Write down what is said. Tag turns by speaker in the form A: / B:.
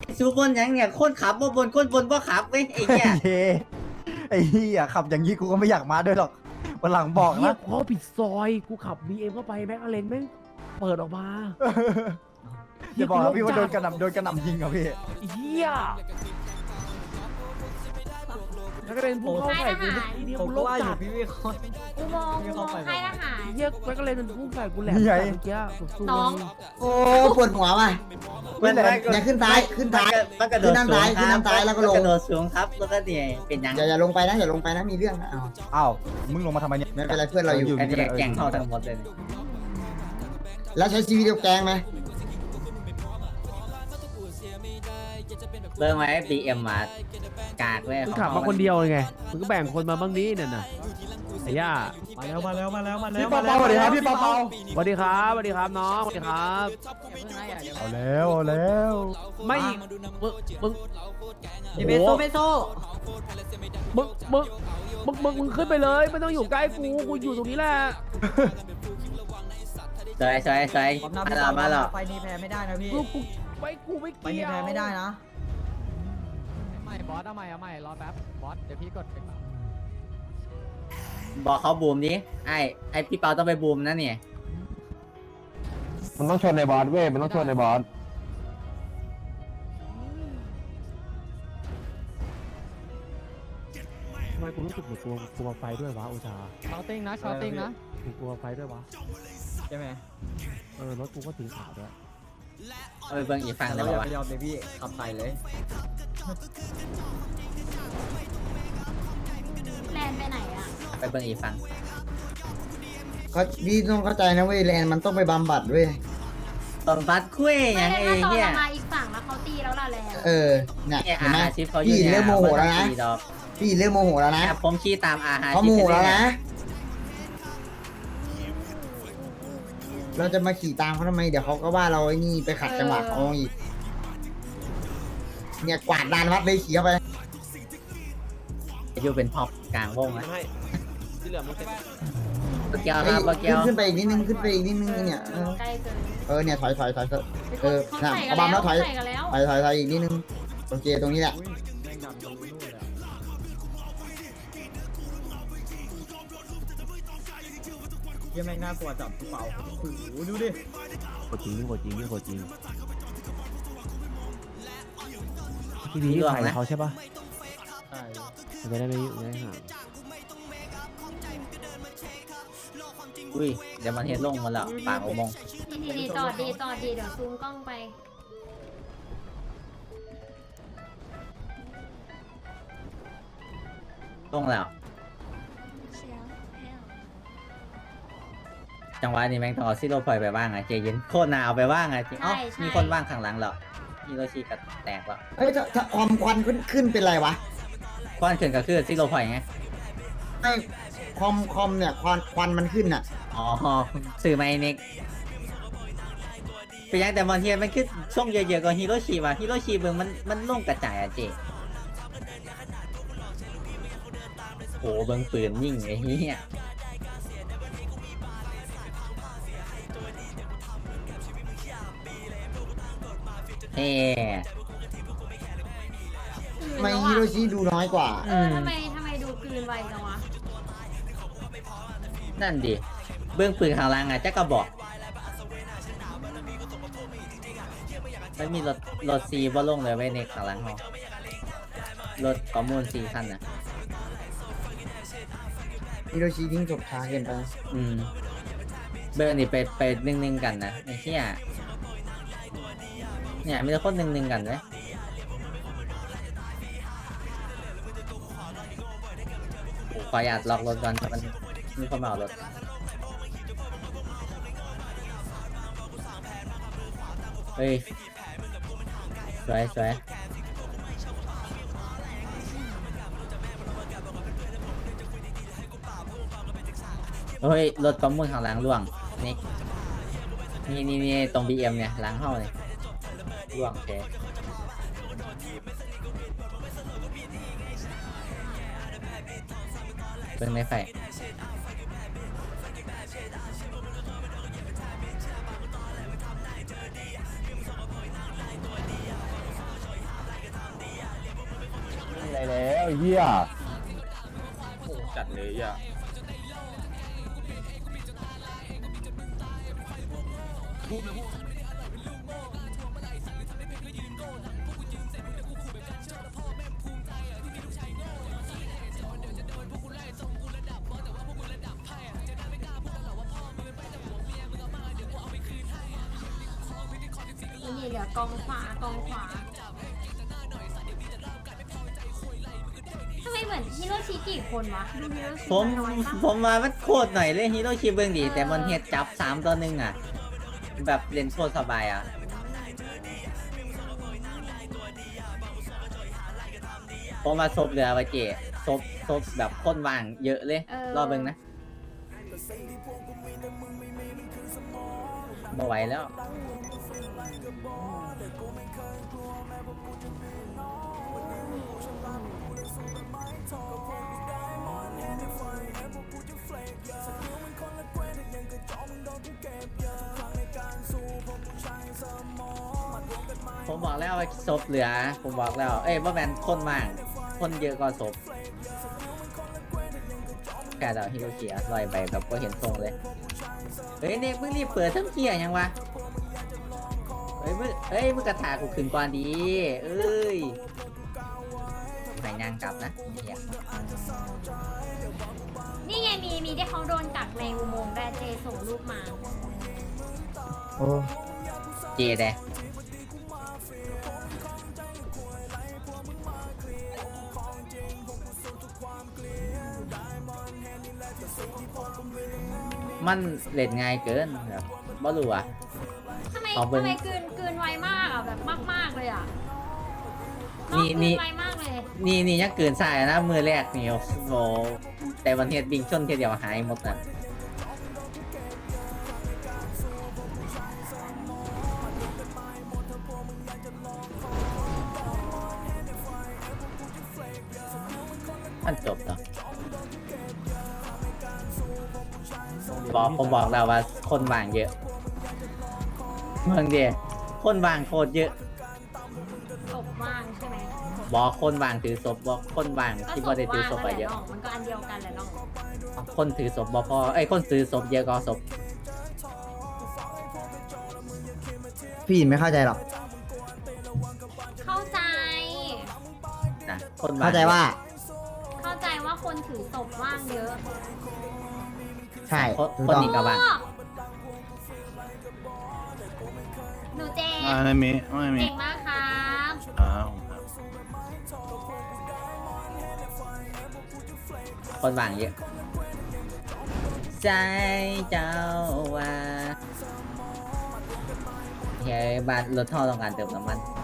A: ซูบนยังเนี่ยคนขับบ่บนคนบนบ่ขับเว้ยไอ้เหี้ย
B: เย้ไอ้เหี้ยขับอย่างนี้กูก็ไม่อยากมาด้วยหรอกวันหลังบอก
C: เฮีย
B: นะ
C: พอผิดซอยกูขับ BM เข้าไปแม็กอเลนแม่งเปิดออกมา
B: อย่าบอกนะพี่ว่าโดนกระหน่ำยิงเหรอพี่
C: เฮียแม็กอเลนพุ่งเข้าใส่กูเมื่อกี้นี้
D: ผม
C: กู
D: ก็
C: โลก
D: ว่าอ
C: จั
D: ยู่
C: ด
D: พี่วิเคราะห์
E: อุโมงค์ค่ายทหาร
C: เฮียแม็กอเลนมันพุ่งใส่กูแหลม
B: นี่ไง
C: เมื่อกี้สุดๆ
E: น้อง
F: โอ้ปวดหัวว่ะ
A: มัน
F: อย่าขึ้นซ้ายขึ้นซ้าย
A: มันกระโดด
F: ขึ้นด้านซ้ายขึ้นด้านซ้ายแล้วก็ลง
A: กระโดดสูงครับแล้วก็เนี่ยเป็นยัง
F: อย่าลงไปนะอย่าลงไปนะมีเรื่องนะอ้าว
B: อ้าวมึงลงมาทำไมเนี่ย
F: ไม่เป็นไรเพื่อนเราอยู่
A: อันนี้แกงเข้าทั้งหมดเลย
F: แล้วใช้ชีวิตเดียวแกงไหม
A: เบิ่งไว้ BM มากากเว้ย
C: มึงขับมาคนเดียวเลยไงมึงก็แบ่งคนมาบ้างนี้เนี่ยน่ะไอ้ย่า
D: มาแล้วมาแล้วมาแล้วมาแล้ว
B: พี่เปาเปาสวัสดีครับพี่เปาเปา
C: สวัสดีครับสวัสดีครับน้องสวัสดีครับ
B: เอาแล้ว
C: ไม่มึง
D: พี่เบโซเบโซ
C: มึงขึ้นไปเลยไม่ต้องอยู่ใกล้กูอยู่ตรงนี้แหละ
A: สวยมาแล้ว
D: ไฟนี้แพ้ไม่ได้นะพี่
C: กูไม่
D: ไฟนี้
C: เกี่ยว
D: แพ้ไม่ได้นะ
G: ไม่บอสเอาใหม่รอแป๊บบอสเดี๋ยวพี่กดไป
A: บอกเขาบูมดิไอ้พี่เปาต้องไปบูมนะเนี่ย
H: มันต้องชนในบอสเว้ย มันต้องชนในบอส
C: ทำไมกูรู้สึกเหมือนกลัวไฟด้วยวะอุชา
G: ชาวติ้งนะชาวติ้งนะ
C: กูกลัวไฟด้วยวะ
D: ใช่ไหม
C: รถกูก็สีขาวด้วย
A: เอาไปเบิ่งอีกฝั่งได้
D: เรา
A: ป่า
D: อย่าว
A: ะ
D: ไปยอมเลยพี่ขับใส่เลย
E: แลนไปไหนอ่ะ
A: ไปเบิ่งอีกฝั่ง
F: ก็พี่ต้องเข้าใจนะเว้ยแลนมันต้องไปบำบัดเว้ย
A: ตอนบัดคุยอ
E: ไม่
A: ย่าง
E: ได้
A: ไอ้
E: ถ้าตอน
A: เหี้ย
E: เรามาอีกฝั่งแล้วเขาตีแล้วล่ะแลน
F: เออเนี่ย
A: เนี่ย
F: เห็นไหม
A: อาชิปเขาอยู่
F: พี่
A: เนี่ย
F: เริ่มโมโหแล้วนะ
A: ดอก
F: พี่เริ่มโมโหแล้วนะ
A: ผมขี่ตามอาหาร
F: เขาโมโหแล้วนะเราจะมาขี่ตามเขาทำไมเดี๋ยวเขาก็ว่าเราไอ้นี่ไปขัดจังหวะเขาอีกเนี่ยกวาดลานวัดเลยขี่เข้าไป
A: อยู่เป็นพ็อปกลางวงนะ
C: ที่เหลือมึงเสร็จ
A: เบอร์เกียวครับเบอร์เกียว
F: ขึ้นไปอีกนิดนึงขึ้นไปอีกนิดนึงเนี่ย
E: ใกล้เกิน
F: เนี่ยถอยเออ
E: เขา
F: น่ะ
E: ใส่กั
F: เอา
E: น
F: บัม
E: แล้
F: แล้ว วถอย
E: ใส่กันแล้ว
F: ถอยอีกนิดนึงโอเคตรงนี้แหละ
D: เยี่ยแม่งน่ากลัวจับพี่เปาโอ้โหดูดิ
C: โคตรจริงที่นี่ใครเขาใช่ปะ
D: ใช่
C: จะได้ไม่ห่าง
A: อุ้ยเดี๋ยวมันเฮ็ดลงมาแล้วปากอุโมงค์
E: ดีจอดดีเดี๋ยวซูมกล้องไป
A: ลงแล้ว จังหวะนี้แม่งต้องเอาซิโร่พลอยไปว่างอ่ะเจเย็นโคตรนาเอาไปว่างอ่ะจริงเอ้ามีคนว่างข้างหลังแล้วฮิโรชิก็แตกแล้ว
F: เฮ้ยถ้าความควันขึ้นเป็นไรวะ
A: ควันขึ้นก็คือซิโร่พลอยไง
F: ไม่คอมเนี่ยควันมันขึ้นอ่ะ
A: อ๋อสื่อไมเน็กไปยังแต่บางทีมันคือช่วงเยอะๆกว่าฮิโรชิว่ะฮิโรชิเบิ่งมันลงกระจายอะเจโหเบิ่งปืนยิ่งไอ้เหี้ยเฮ้
F: ทำไมฮิโรชิดูน้อยกว่า
E: ทำไมดูกลืนไวจังวะ
A: นั่นดิเบื้องปืนข้างล่างอ่ะจะกระบอกไม่มีรถซีบ่ลงเลยไว้ในข้างล่างเขารถประมูล4 คันนะ
F: ฮิโรชิทิ้งศพช้าเกินไป
A: เบอร์นี่ไป1-1กันนะไอ้เหี้ยเนี่ยมีแต่คน1-1กันเลยขออยากล็อกรถก่อนมันมีคนมาเอารถเฮ้ยสวยเฮ้ยรถประมูลข้างหลังล่วงนี่ตรง BM เนี่ยหลังห้องเลยล่วงแกเบิ่งในไฟ
H: ไอ้เหี้ย
I: จัดเลยอ่ะ
E: นี่เหลือกองขวากองขวาทำไมเหมือนฮิโรชิกี่คนวะดูฮิโรชิ
A: ผม
E: น้อยปะ
A: ผมมามันโคตรหน่อยเลยฮีโร่ชิเบิงดี แต่มันเฮ็ดจับ3-1อ่ะ แบบเล่นโคตรสบายอ่ะ ผมมาซบเรือวะเจซบแบบคนว่างเยอะเลย รอเบิงนะไม่ไหวแล้ว ผมบอกแล้วว่าศพเหลือ ผมบอกแล้ว เอ้ยว่าแมนคนมาก คนเยอะกว่าศพแกเราฮิโรชิอะลอยไปแบบก็เห็นทรงเลย เฮ้ยเนี่ยมึงรีบเปิดทั้งเที่ยยังวะ มึงกระถากูขึ้นก่อนดี เอ้ยไหนยางกลับนะเหี้ย
E: นี่ไงมีที่เขาโดนกักในอุโมงค์ได้เจส่งรูปมา
F: โอ้
A: เจเดะมันเล่นง่ายเกินแบบบ่รู้อ่ะ
E: ทำไม
A: เอาเบิ่ง
E: กลืนไวมากอ่ะแบบมากเลยอ่ะ
A: นี่
E: กลืนไวมากเลย
A: นี่ยังเกินสายนะ มือแรกนี่โอ้โหแต่วันเฮ็ดบิงชนเทียเดียวหายหมดอ่ะมันจบแล้วผมบอกแล้วว่าคนว่างเยอะเมืองเดียคนว่างโคตรเยอะ
E: ศพว่างใช่ไหม
A: บอกคนว่างถือศพบอกคนว่าง
E: ก็
A: ที่
E: ศ
A: บ่
E: พ
A: ได้ถือ
E: ว่าง
A: ศพ
E: นั่น
A: ไป
E: แหละ
A: เยอะ
E: น้องมันก็อันเดียวกันแหละน้อง
A: คนถือศพบ่พอคนถือศพเยอะกว่าศพ
F: พี่ไม่เข้าใจหรอก
E: เข้าใจ
A: นะคนว่าง
F: เข้าใจว่า
E: เข้าใจว่าคนถือศพว่างเยอะ
F: ใช่
A: คน
F: ถูก
A: คน
F: ต้อง
A: นี้ก็ว่าง
E: หนูเจ
I: ไม่มี
E: เก่งมากครับ
A: คนว่างเยอะใจเจ้าว่าเฮ้ยบ้านรถท่อต้องการเติมน้ำมัน